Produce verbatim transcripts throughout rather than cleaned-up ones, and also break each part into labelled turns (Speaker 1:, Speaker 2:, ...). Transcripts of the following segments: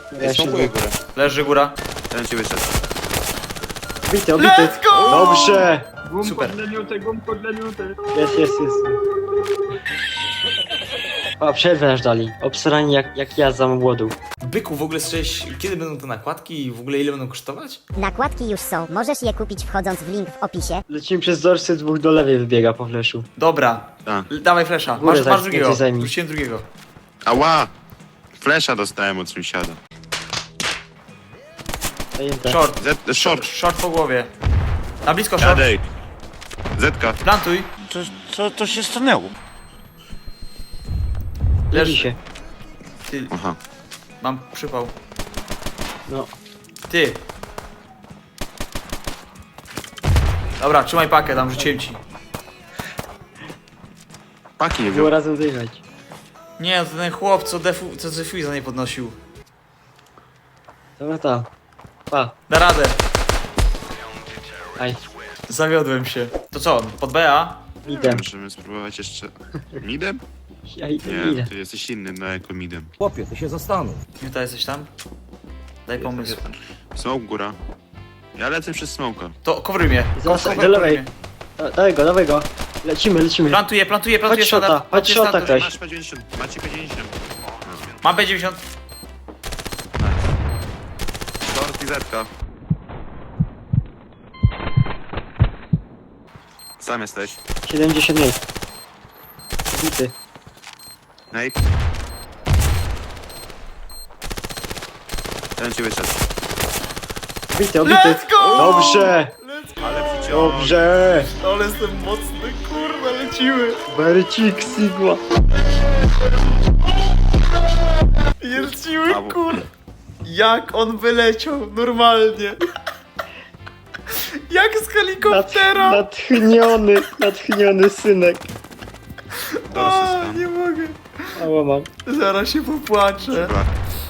Speaker 1: Ja się
Speaker 2: Smokuję górę.
Speaker 3: Leży góra.
Speaker 2: Ten ci wyszedł.
Speaker 1: Obity, obity.
Speaker 3: Let's go!
Speaker 1: Dobrze.
Speaker 3: Super.
Speaker 4: Gumko dla miuty, gumko dla miuty.
Speaker 1: Jest, jest, jest. A, przerwę nasz dali. Obsrani jak, jak ja za młodu.
Speaker 3: Byku, w ogóle słyszałeś, kiedy będą te nakładki i w ogóle ile będą kosztować?
Speaker 5: Nakładki już są, możesz je kupić wchodząc w link w opisie.
Speaker 1: Lecimy przez dorsy, dwóch do lewej wybiega po fleszu.
Speaker 3: Dobra,
Speaker 2: Tak.
Speaker 3: L- dawaj flesza.
Speaker 1: Górę
Speaker 3: Masz,
Speaker 1: zaj-
Speaker 3: masz drugiego.
Speaker 1: więcej zajmij.
Speaker 3: Wróciłem drugiego.
Speaker 2: Ała! Flesza dostałem od sąsiada.
Speaker 1: Zajęte.
Speaker 3: Short.
Speaker 2: Z, short.
Speaker 3: Short po głowie. Na blisko short.
Speaker 2: Jadej. Zetka.
Speaker 3: Plantuj.
Speaker 6: Co, co to się stanęło?
Speaker 1: Leży
Speaker 3: Leży.
Speaker 1: się.
Speaker 3: Ty,
Speaker 2: Aha.
Speaker 3: mam przypał.
Speaker 1: No.
Speaker 3: Ty. Dobra, trzymaj pakę, tam rzuciłem ci.
Speaker 2: Paki nie
Speaker 1: Było
Speaker 2: wziął.
Speaker 1: razem zjechać.
Speaker 3: Nie, to ten chłop, co defu, co defuiza nie podnosił.
Speaker 1: Dobra, ta. Pa.
Speaker 3: Da radę.
Speaker 1: Aj.
Speaker 3: Zawiodłem się. To co, pod B A?
Speaker 1: Idę.
Speaker 2: Możemy spróbować jeszcze... Midem?
Speaker 1: Ja idę,
Speaker 2: Nie,
Speaker 1: idę.
Speaker 2: ty jesteś inny, no jako midem.
Speaker 7: Chłopie, ty się zastanów.
Speaker 3: Juta, jesteś tam? Daj pomysł.
Speaker 2: Smoke góra. Ja lecę przez smoka.
Speaker 3: To coveruj mnie.
Speaker 1: Zostań,
Speaker 3: Cover-
Speaker 1: do lewej.
Speaker 3: coveruj mnie.
Speaker 1: Da- Dawaj go, dawaj go. Lecimy, lecimy.
Speaker 3: Plantuję, plantuję, plantuję.
Speaker 1: Chodź shota,
Speaker 3: standard,
Speaker 1: chodź
Speaker 3: plantuję
Speaker 1: shota
Speaker 3: standard.
Speaker 1: ktoś.
Speaker 2: Masz P dziewięćdziesiąt, macie P dziewięćdziesiąt.
Speaker 3: Mam B dziewięćdziesiąt.
Speaker 2: Short i zetka. Sam jesteś.
Speaker 1: siedemdziesiąt miejsc. Obity.
Speaker 2: Nate. Ten ci wyszedł.
Speaker 1: Obity, obity.
Speaker 3: Let's go!
Speaker 1: Dobrze.
Speaker 2: Ale przyciął.
Speaker 1: Dobrze.
Speaker 3: Ale jestem mocny, kurwa, lecimy.
Speaker 1: Bercik, Sigma.
Speaker 3: Lecimy,
Speaker 2: Brawo.
Speaker 3: kur... Jak on wyleciał, normalnie. Jak z
Speaker 1: Nad,
Speaker 3: helikoptera.
Speaker 1: natchniony, natchniony synek.
Speaker 2: Dorsy
Speaker 3: A,
Speaker 2: stan.
Speaker 3: nie mogę.
Speaker 1: Ała mam.
Speaker 3: Zaraz się popłaczę.
Speaker 2: Dobra.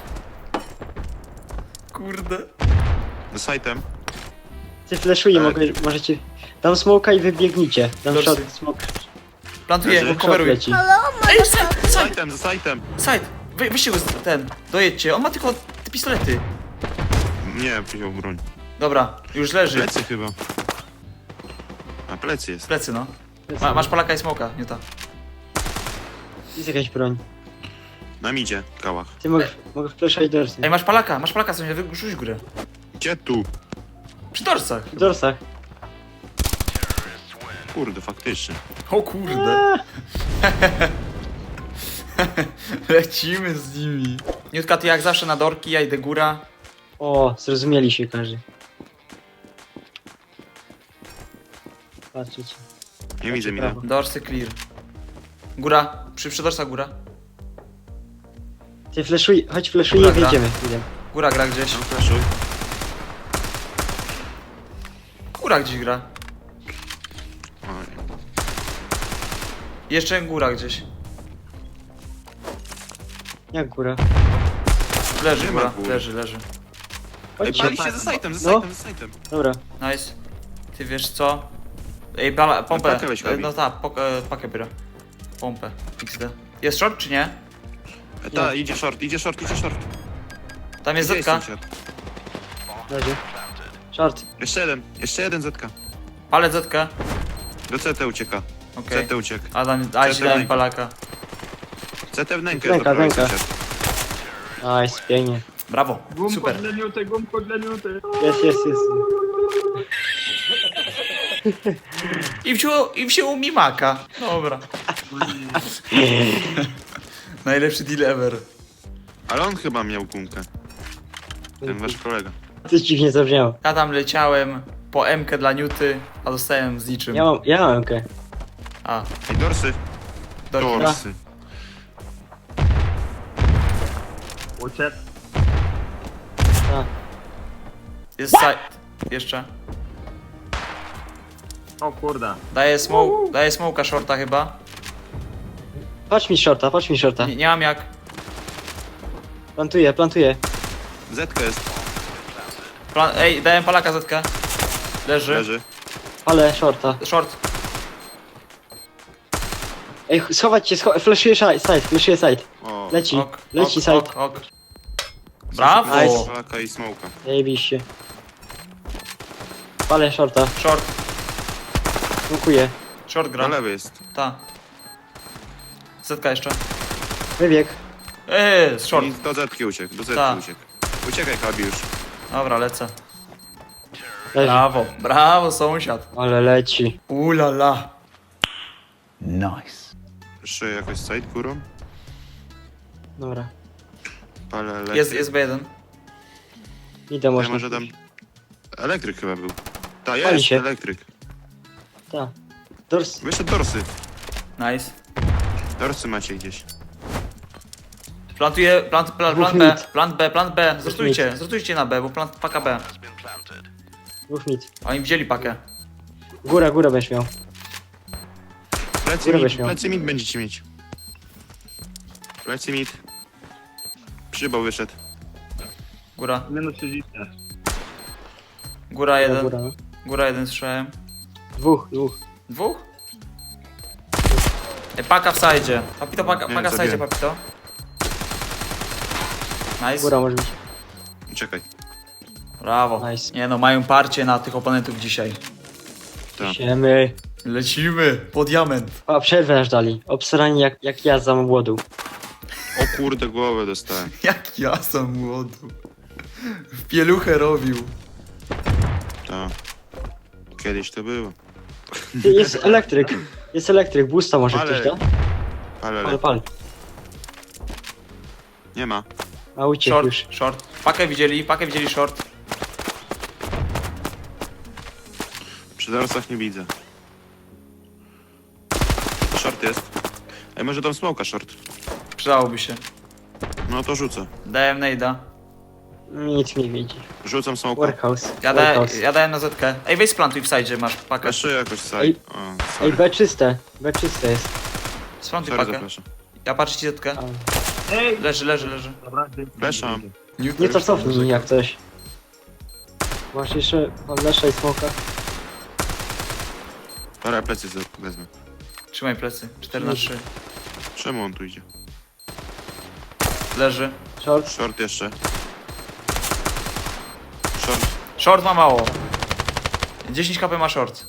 Speaker 3: Kurde.
Speaker 2: Do sajtem.
Speaker 1: Ty fleszuje,
Speaker 2: Tak.
Speaker 1: mogę, możecie... Dam smoka i wybiegnijcie. Dam
Speaker 3: Dorsy.
Speaker 1: shot, smok.
Speaker 3: Plantuję,
Speaker 2: Leży.
Speaker 1: Shot
Speaker 3: coveruj.
Speaker 1: leci.
Speaker 3: Ej, side,
Speaker 2: Za
Speaker 3: side,
Speaker 2: sajtem, za sajtem.
Speaker 3: side. Wy, wyście go z- ten, dojedźcie. On ma tylko te pistolety.
Speaker 2: Nie, wziął broń.
Speaker 3: Dobra, już leży.
Speaker 2: Plecy chyba. A plecy jest.
Speaker 3: Plecy, no. Ma, masz palaka i smoka, nie ta.
Speaker 1: Jest jakaś broń.
Speaker 2: Na midzie, kałach.
Speaker 1: Ty mogę, mogę fleszać dorsy.
Speaker 3: Ej, masz palaka, masz palaka, sobie wyrzuć górę.
Speaker 2: Gdzie tu?
Speaker 3: Przy dorsach.
Speaker 1: W dorsach.
Speaker 2: Kurde, faktycznie.
Speaker 3: O kurde. Lecimy z nimi. Niutka, ty jak zawsze na dorki, ja idę góra.
Speaker 1: O, zrozumieli się każdy. Patrzcie.
Speaker 2: Nie widzę mida.
Speaker 1: prawo.
Speaker 3: Dorsy clear. Góra, przy, przy dorsach góra.
Speaker 1: Ty fleszuj, chodź fleszuj i
Speaker 3: Dobra.
Speaker 1: wyjdziemy. Idę.
Speaker 3: Góra gra gdzieś.
Speaker 2: No flashuj.
Speaker 3: Góra gdzieś gra.
Speaker 2: Oj.
Speaker 3: Jeszcze góra gdzieś.
Speaker 1: Jak góra?
Speaker 3: Leży
Speaker 2: Nie ma
Speaker 3: góra,
Speaker 2: góry.
Speaker 3: leży, leży.
Speaker 2: Ej,
Speaker 1: Chodźcie.
Speaker 2: pali się za sajtem, za
Speaker 1: No.
Speaker 2: sajtem, za sajtem.
Speaker 1: Dobra.
Speaker 3: Nice. Ty wiesz co? Ej, bala, pompę.
Speaker 2: pakę weź,
Speaker 3: E,
Speaker 2: Gabi.
Speaker 3: no tak, pok- e, pakę biorę. Pompę. X D. Jest short czy nie?
Speaker 2: E, Ta, idzie short, idzie short, idzie short.
Speaker 3: Tam jest
Speaker 2: Gdzie
Speaker 3: zetka.
Speaker 2: sąsiad?
Speaker 1: Leży. Short.
Speaker 2: Jeszcze jeden, jeszcze jeden zetka.
Speaker 3: Ale zetkę.
Speaker 2: Do C T ucieka.
Speaker 3: Okej.
Speaker 2: C T uciekł.
Speaker 3: Adam, a ci dałem
Speaker 2: Zetkę.
Speaker 3: palaka.
Speaker 2: C T w nękę
Speaker 1: Ręka,
Speaker 2: zabrałeś,
Speaker 1: ręka.
Speaker 2: sąsiad.
Speaker 1: Nice, pięknie.
Speaker 3: Brawo.
Speaker 4: Gumko
Speaker 3: Super.
Speaker 4: dla miuty, gumko dla miuty.
Speaker 1: Jest, jest, jest.
Speaker 3: I wziął, i wziął mi maka. Dobra. Najlepszy deal ever.
Speaker 2: Ale on chyba miał gumkę. Ten wasz kolega.
Speaker 1: Coś dziwnie zabrzmiało.
Speaker 3: Ja tam leciałem po M-kę dla Newty, a dostałem z niczym.
Speaker 1: Ja mam, ja mam M K.
Speaker 3: A,
Speaker 2: Ej, dorsy.
Speaker 3: dorki.
Speaker 2: Dorsy.
Speaker 4: Uciec.
Speaker 1: A,
Speaker 3: Jest side. Jeszcze.
Speaker 4: O kurde.
Speaker 3: Daję smoke, daję smoke'a shorta chyba.
Speaker 1: patrz mi shorta, patrz mi shorta.
Speaker 3: Nie, nie mam jak.
Speaker 1: Plantuję, plantuję.
Speaker 2: Zetka jest,
Speaker 3: Plan Ej, dałem palaka zetkę. Leży.
Speaker 2: leży.
Speaker 1: Ale shorta.
Speaker 3: Short.
Speaker 1: Ej, schować się, scho fleszuję side, side, fleszuję side.
Speaker 2: O,
Speaker 1: Leci,
Speaker 3: Ok,
Speaker 1: leci
Speaker 3: ok,
Speaker 1: side.
Speaker 3: ok, ok. Brawo!
Speaker 1: Nice.
Speaker 2: Polaka i smoka.
Speaker 1: Zajebiście. Palę shorta.
Speaker 3: Short,
Speaker 1: Smokuję.
Speaker 3: short
Speaker 2: Na
Speaker 3: gra.
Speaker 2: lewy jest.
Speaker 3: Ta. Zetka jeszcze.
Speaker 1: Wybieg.
Speaker 3: Eee, z short.
Speaker 2: I do zetki uciekł, do zetki
Speaker 3: Tak.
Speaker 2: uciekł. Uciekaj, Kabi już.
Speaker 3: Dobra, lecę.
Speaker 1: Leży.
Speaker 3: Brawo, brawo sąsiad.
Speaker 1: Ale leci.
Speaker 3: Ulala.
Speaker 2: Jeszcze jakoś side górą.
Speaker 1: Dobra.
Speaker 2: Ale leci.
Speaker 3: Jest, jest B jeden.
Speaker 1: Idę
Speaker 2: Ja
Speaker 1: można.
Speaker 2: może dam... Elektryk chyba był. Ta,
Speaker 1: Pali
Speaker 2: jest,
Speaker 1: się.
Speaker 2: elektryk.
Speaker 1: Tak. Dors.
Speaker 2: Wyszedł dorsy.
Speaker 3: Nice.
Speaker 2: Dorsy macie gdzieś.
Speaker 3: Plantuję, plant, plan,
Speaker 1: Dwóch
Speaker 3: plan B,
Speaker 1: mid.
Speaker 3: plant B, plant B. Zrotujcie, zrotujcie na B, bo plant paka B.
Speaker 1: Dwóch mit.
Speaker 3: Oni wzięli pakę.
Speaker 1: Góra, góra będziesz miał.
Speaker 2: Plecy
Speaker 1: Górę
Speaker 2: mid,
Speaker 1: weź miał.
Speaker 2: plecy mid będziecie mieć. Plecy mid. Przybał wyszedł.
Speaker 3: Góra,
Speaker 4: Minus trzydzieści.
Speaker 3: góra jeden,
Speaker 1: Góra, no.
Speaker 3: góra jeden słyszałem.
Speaker 1: Dwóch, dwóch.
Speaker 3: Dwóch? Ej, paka w sajdzie. Papito, paka,
Speaker 2: Nie,
Speaker 3: paka w sajdzie,
Speaker 2: zabiłem.
Speaker 3: papito. Nice.
Speaker 1: Góra może być.
Speaker 2: Czekaj.
Speaker 3: Brawo.
Speaker 1: Nice.
Speaker 3: Nie no, mają parcie na tych oponentów dzisiaj.
Speaker 2: Tak.
Speaker 1: Siemy.
Speaker 3: Lecimy, po diament.
Speaker 1: A przerwę aż dali. Obsrani jak, jak ja za młodu.
Speaker 2: O kurde, głowę dostałem.
Speaker 3: Jak ja sam młodu. W pieluchę robił.
Speaker 2: Tak. Kiedyś to było.
Speaker 1: Ty, jest elektryk. Jest elektryk. Boosta może
Speaker 2: Ale-
Speaker 1: ktoś da?
Speaker 2: Ale
Speaker 1: Ale
Speaker 2: le...
Speaker 1: pal.
Speaker 2: nie ma.
Speaker 1: A uciekł
Speaker 3: Short,
Speaker 1: już.
Speaker 3: short. Pakę widzieli, pakę widzieli short.
Speaker 2: Przy dorsach nie widzę. Short jest. Ej, może dam smoka short.
Speaker 3: Przydałoby się.
Speaker 2: No to rzucę.
Speaker 3: Dałem nejda.
Speaker 1: Nic nie widzi.
Speaker 2: Rzucam smoka.
Speaker 1: Workhouse.
Speaker 3: Ja, da,
Speaker 1: Workhouse.
Speaker 3: ja dałem na zetkę. Ej, weź splantuj w sajdzie, masz pakę.
Speaker 2: Jeszcze jakoś side.
Speaker 1: Ej.
Speaker 2: O,
Speaker 1: Ej,
Speaker 2: sorry.
Speaker 1: B czyste. B czyste jest.
Speaker 3: Splantuj
Speaker 2: Sorry,
Speaker 3: pakę.
Speaker 2: zapraszam.
Speaker 3: Ja patrzę ci zetkę.
Speaker 1: A.
Speaker 4: Ej!
Speaker 3: Leży, leży, leży.
Speaker 4: Dobra, dzięki.
Speaker 2: Fleszam.
Speaker 1: Nie to cofnij jak coś. Masz jeszcze Lesza i Smoka.
Speaker 2: Dobra, plecy z- wezmę.
Speaker 3: Trzymaj plecy. cztery na trzy.
Speaker 2: Czemu on tu idzie?
Speaker 3: Leży.
Speaker 1: Short.
Speaker 2: Short jeszcze. Short.
Speaker 3: Short ma mało. dziesięć kp ma short.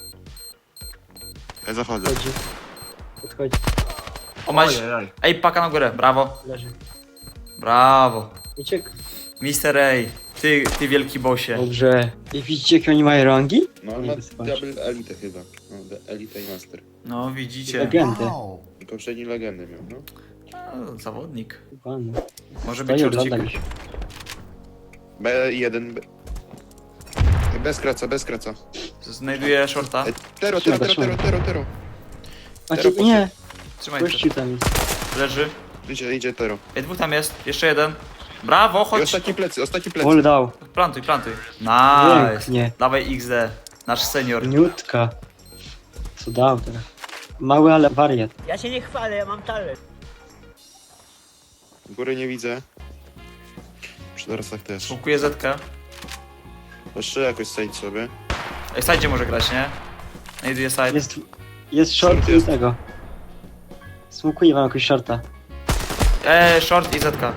Speaker 2: Ja zachodzę.
Speaker 1: Podchodzi. Podchodzi.
Speaker 3: O, masz...
Speaker 4: Ojej,
Speaker 3: Ej, paka na górę. Brawo.
Speaker 1: Leży.
Speaker 3: Brawo.
Speaker 1: Uciekł.
Speaker 3: mister A. Ty, ty wielki bosie.
Speaker 1: Dobrze. I widzicie jakie oni mają rangi?
Speaker 2: No
Speaker 1: on ma double
Speaker 2: elite chyba. No, elite i master.
Speaker 3: No, widzicie.
Speaker 1: Legendy.
Speaker 2: Poprzedni legendy miał, no.
Speaker 3: O, zawodnik.
Speaker 1: Pan.
Speaker 3: Może
Speaker 1: To
Speaker 3: być
Speaker 1: nie
Speaker 3: shortcik.
Speaker 1: oglądam już.
Speaker 2: B jeden. B... Bez kraca, bez kraca.
Speaker 3: Znajduję shorta.
Speaker 2: Ej, Tero, tero, tero, tero, tero, tero.
Speaker 1: A
Speaker 2: Teraz
Speaker 1: ci, nie.
Speaker 3: Trzymaj to.
Speaker 1: Gościu tam jest.
Speaker 3: Leży.
Speaker 2: Idzie, idzie tero.
Speaker 3: Ej, dwóch tam jest. Jeszcze jeden. Brawo,
Speaker 2: I
Speaker 3: chodź.
Speaker 2: ostatni plecy, ostatni plecy.
Speaker 1: Wall dał.
Speaker 3: Plantuj, plantuj. Nice.
Speaker 1: Pięknie.
Speaker 3: Dawaj X D. Nasz senior.
Speaker 1: Niutka. Co dał teraz? Mały, ale wariat.
Speaker 7: Ja się nie chwalę, ja mam talent.
Speaker 2: Góry nie widzę. Przy dorsach też.
Speaker 3: Smokuję Zetkę.
Speaker 2: Jeszcze jakoś sejdź sobie.
Speaker 3: Ej, sajdzie może grać, nie? Znajduję side.
Speaker 1: Jest, jest short
Speaker 2: Short
Speaker 1: i
Speaker 2: jest.
Speaker 1: tego. Smokuję wam jakoś shorta.
Speaker 3: Eee, short i Zetka.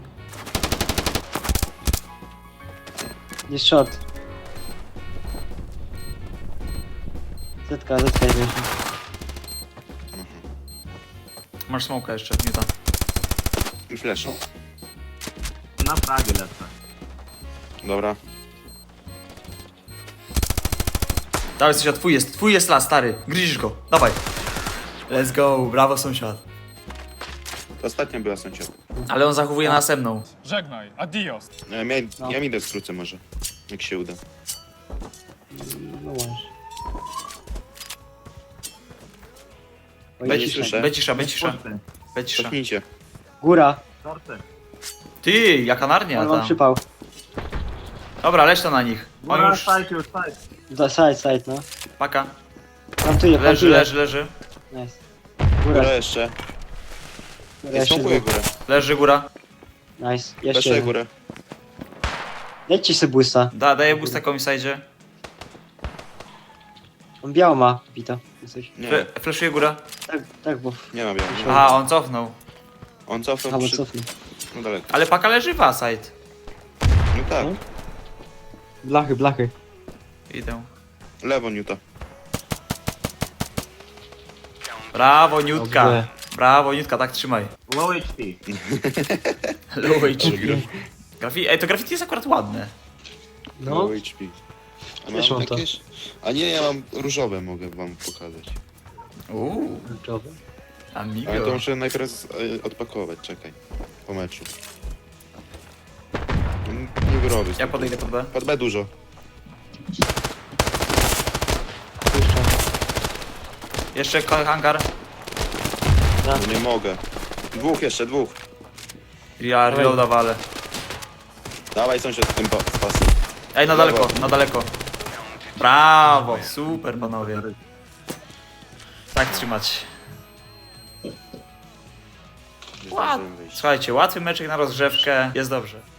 Speaker 1: Jest short. Zetka, zetka jest jeszcze.
Speaker 3: Masz smoka jeszcze, Newta.
Speaker 2: I flash.
Speaker 4: na Pragę lecę.
Speaker 2: Dobra.
Speaker 3: Dawaj sąsiad, twój jest, twój jest las, stary. Gryzisz go, dawaj. Let's go, brawo sąsiad.
Speaker 2: To ostatnia była sąsiad.
Speaker 3: Ale on zachowuje następną.
Speaker 8: Żegnaj, adios.
Speaker 2: Ja, ja,
Speaker 1: No.
Speaker 2: ja mi idę skrócę może. Jak się uda.
Speaker 1: No może. Oj,
Speaker 2: Będzie
Speaker 1: ciszej.
Speaker 2: słyszę.
Speaker 3: Be cisza, be cisza,
Speaker 4: Shorty,
Speaker 3: be cisza.
Speaker 2: Cofnijcie.
Speaker 1: Góra.
Speaker 4: shorty.
Speaker 3: Ty, jaka narnia
Speaker 1: Ale mam
Speaker 3: tam.
Speaker 1: przypał.
Speaker 3: Dobra, leć to na nich. On
Speaker 4: Góra,
Speaker 3: już,
Speaker 4: side już, side.
Speaker 1: Da, side, side, no.
Speaker 3: paka.
Speaker 1: Plantuję,
Speaker 3: Leży,
Speaker 1: plantuję.
Speaker 3: leży, leży.
Speaker 1: Nice.
Speaker 2: Góra
Speaker 1: Góra.
Speaker 2: jeszcze.
Speaker 1: Góra
Speaker 2: Ja
Speaker 1: jeszcze
Speaker 2: smokuję
Speaker 1: dwóch.
Speaker 2: górę.
Speaker 3: Leży góra.
Speaker 1: Nice. Jeszcze
Speaker 2: Jeszcze
Speaker 1: jeden.
Speaker 2: górę.
Speaker 1: Dajcie sobie boosta.
Speaker 3: Da, daję boosta komuś sajdzie.
Speaker 1: On biało ma, Vito. Coś.
Speaker 2: Nie,
Speaker 3: Fle fleszuje góra.
Speaker 1: Tak, tak, bo...
Speaker 2: nie ma białego.
Speaker 3: Aha, on cofnął.
Speaker 2: On cofnął
Speaker 1: Albo
Speaker 2: przy...
Speaker 1: cofnij.
Speaker 2: No daleko.
Speaker 3: Ale paka leży w A side.
Speaker 2: tak.
Speaker 1: No. Blachy, blachy.
Speaker 3: Idę.
Speaker 2: Lewo, Newta.
Speaker 3: Brawo, Niutka.
Speaker 1: Dobrze.
Speaker 3: Brawo, Niutka, tak trzymaj.
Speaker 4: Low H P.
Speaker 3: Low H P. Grafi... Ej, to graffiti jest akurat ładne.
Speaker 1: No,
Speaker 2: Low H P. A
Speaker 1: Wiesz,
Speaker 2: mam
Speaker 1: mam to.
Speaker 2: jakieś... A nie, ja mam różowe, mogę wam pokazać.
Speaker 3: Uuu,
Speaker 1: kluczowe.
Speaker 3: amigo.
Speaker 2: Ale to muszę najpierw e, odpakować, czekaj. Po meczu. Mm, Nie wyrobię.
Speaker 3: Ja podejdę pod B.
Speaker 2: Pod B dużo.
Speaker 1: Puszczam.
Speaker 3: Jeszcze ko- hangar.
Speaker 2: No nie mogę. Dwóch jeszcze, dwóch.
Speaker 3: Ja reloada walę.
Speaker 2: Dawaj sąsiad tym pa- z pasem.
Speaker 3: Ej, na daleko, na daleko. Brawo, super panowie. Tak trzymać.
Speaker 2: Nie
Speaker 3: Ład.
Speaker 2: zdążyłem wyjść.
Speaker 3: Słuchajcie, łatwy meczek na rozgrzewkę, jest dobrze.